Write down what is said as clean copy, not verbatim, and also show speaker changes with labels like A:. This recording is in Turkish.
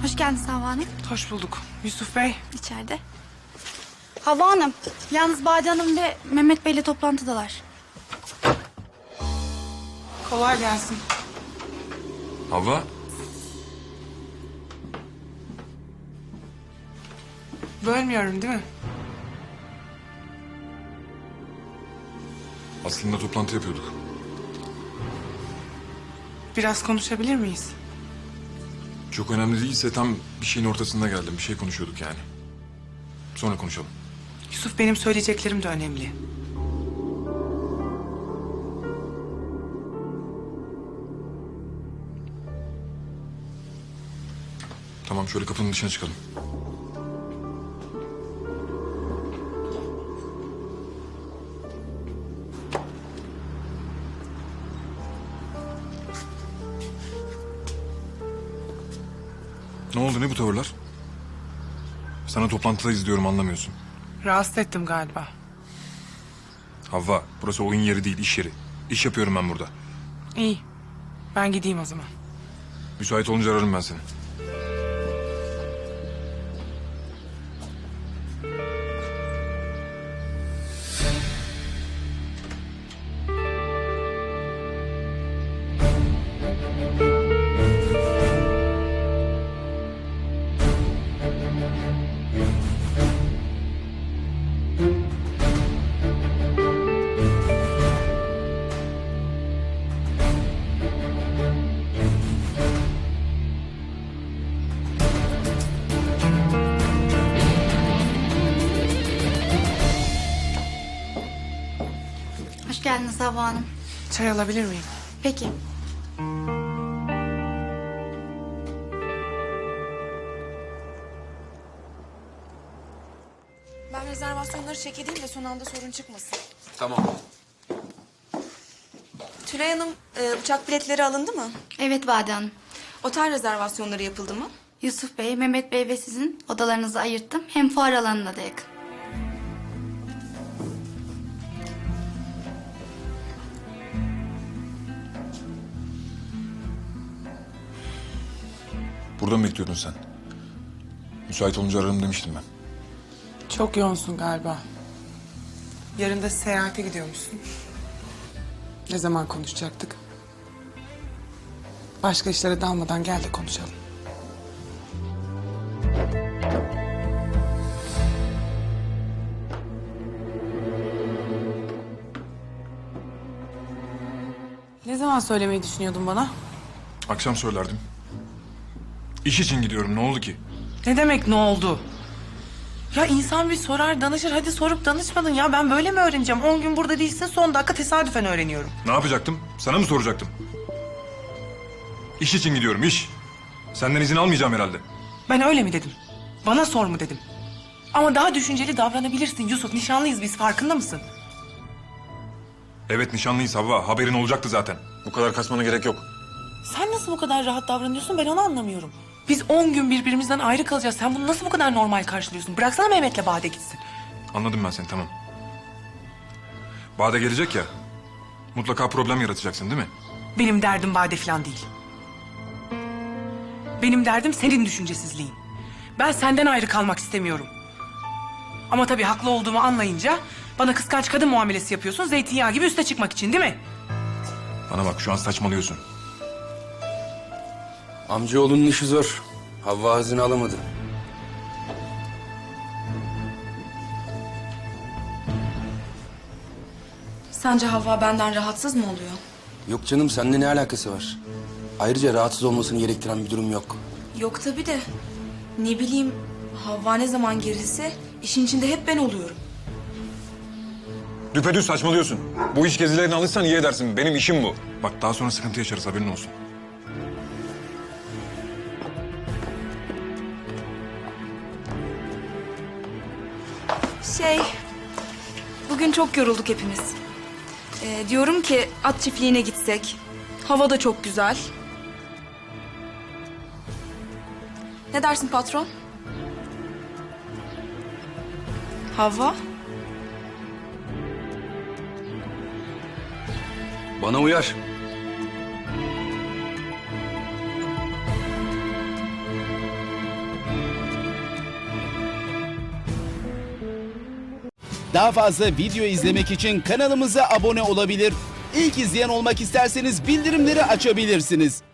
A: Hoş geldiniz Havva Hanım.
B: Hoş bulduk. Yusuf Bey.
A: İçeride. Havva Hanım, yalnız Bade Hanım ve Mehmet Bey'le toplantıdalar.
B: Kolay gelsin.
C: Havva,
B: Bölmüyorum değil mi?
C: aslında toplantı yapıyorduk.
B: Biraz konuşabilir miyiz?
C: Çok önemli değilse tam bir şeyin ortasında geldim. Bir şey konuşuyorduk yani. Sonra konuşalım.
B: Yusuf, benim söyleyeceklerim de önemli.
C: Tamam, şöyle kapının dışına çıkalım. Ne oldu, ne bu tavırlar? Sana toplantıdayız diyorum, anlamıyorsun.
B: Rahatsız ettim galiba.
C: Havva, burası oyun yeri değil, iş yeri. İş yapıyorum ben burada.
B: İyi. Ben gideyim o zaman.
C: Müsait olunca ararım ben seni.
A: Hoş geldiniz Havva Hanım.
B: Çay alabilir miyim?
A: Peki.
D: Ben rezervasyonları check edeyim de son anda sorun çıkmasın.
C: Tamam.
D: Tülay Hanım, uçak biletleri alındı mı?
A: Evet Bade Hanım.
D: Otel rezervasyonları yapıldı mı?
A: Yusuf Bey, Mehmet Bey ve sizin odalarınızı ayırttım. Hem fuar alanına da yakın.
C: Burada mı bekliyordun sen? Müsait olunca ararım demiştim ben.
B: Çok yoğunsun galiba. Yarın da seyahate gidiyormuşsun. Ne zaman konuşacaktık? Başka işlere dalmadan gel de konuşalım. Ne zaman söylemeyi düşünüyordun bana?
C: Akşam söylerdim. İş için gidiyorum, ne oldu ki?
B: Ne demek ne oldu? Ya insan bir sorar, danışır. Hadi sorup danışmadın ya. Ben böyle mi öğreneceğim? 10 gün burada değilsin, son dakika tesadüfen öğreniyorum.
C: Ne yapacaktım? Sana mı soracaktım? İş için gidiyorum, iş. Senden izin almayacağım herhalde.
B: Ben öyle mi dedim? Bana sor mu dedim? Ama daha düşünceli davranabilirsin Yusuf. Nişanlıyız biz, farkında mısın?
C: Evet, nişanlıyız Havva. Haberin olacaktı zaten. Bu kadar kasmana gerek yok.
B: Sen nasıl bu kadar rahat davranıyorsun, ben onu anlamıyorum. Biz 10 gün birbirimizden ayrı kalacağız. Sen bunu nasıl bu kadar normal karşılıyorsun? Bıraksana Mehmet'le Bade gitsin.
C: Anladım ben seni, tamam. Bade gelecek ya. Mutlaka problem yaratacaksın değil mi?
B: Benim derdim Bade falan değil. Benim derdim senin düşüncesizliğin. Ben senden ayrı kalmak istemiyorum. Ama tabii haklı olduğumu anlayınca bana kıskanç kadın muamelesi yapıyorsun. Zeytinyağı gibi üste çıkmak için değil mi?
C: Bana bak, şu an saçmalıyorsun.
E: Amcaoğlunun işi zor. Havva hazine alamadı.
D: Sence Havva benden rahatsız mı oluyor?
E: Yok canım, seninle ne alakası var? Ayrıca rahatsız olmasını gerektiren bir durum yok.
D: Yok tabii de. Ne bileyim, Havva ne zaman gerilse işin içinde hep ben oluyorum.
C: Düpedüz saçmalıyorsun. Bu iş gezilerine alırsan iyi edersin. Benim işim bu. Bak, daha sonra sıkıntı yaşarız, haberin olsun.
D: Bugün çok yorulduk hepimiz. Diyorum ki at çiftliğine gitsek. Hava da çok güzel. Ne dersin patron? Havva?
E: Bana uyar.
F: Daha fazla video izlemek için kanalımıza abone olabilir. İlk izleyen olmak isterseniz bildirimleri açabilirsiniz.